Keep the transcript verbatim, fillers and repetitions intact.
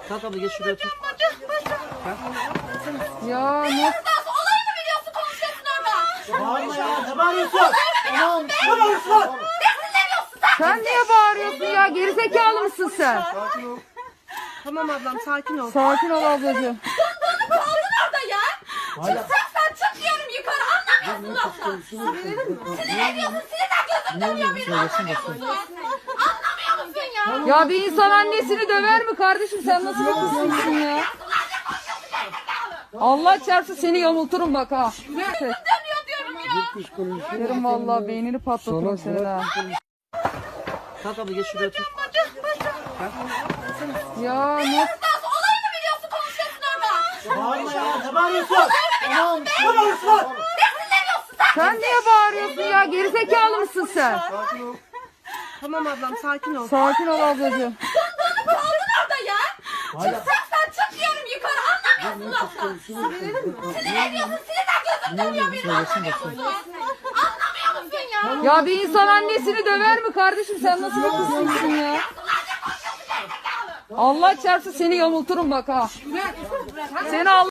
Kalk abla geç şuraya otur. Ya ne? Olayı mı biliyorsun, konuşuyorsun orada? Bağırma ya, ne bağırıyorsun? Tamam, ne bağırıyorsun lan? Sen niye bağırıyorsun ya? Gerizekalı mısın sen? Tamam ablam, sakin ol. Sakin ol ablacığım. Kaldın orada ya. Çıkacaksan çık diyorum yukarı, anlamıyorsun laftan. Sinir ediyorsun, sinirden gözüm dönüyor benim, anlamıyor musun? Anlamıyor musun ya? Ya bir insan annesini döver mi kardeşim? Sen nasıl bir kızsın ya? Allah çarpsın seni yamulturum bak ha. Dönüyor diyorum ya. Yerim vallahi beynini patlatırım senin ha. Kalk abla geç şuraya otur. Ya ne? Olayı mı biliyorsun, konuşuyorsun orada? Bağırma ya, ne bağırıyorsun? Tamam, ne bağırıyorsun lan? Sen niye bağırıyorsun ya? Gerizekalı mısın sen? Tamam ablam, sakin ol. Sakin ol ablacığım. Kaldın orada ya. Çıkacaksan çık diyorum yukarı, anlamıyorsun laftan. Sinir ediyorsun, sinirden gözüm dönüyor benim, anlamıyor musun? Anlamıyor musun ya? Ya bir insan annesini döver mi kardeşim? Sen nasıl bir kızsın ya? Allah çarpsın seni yamulturum bak ha. Seni Allah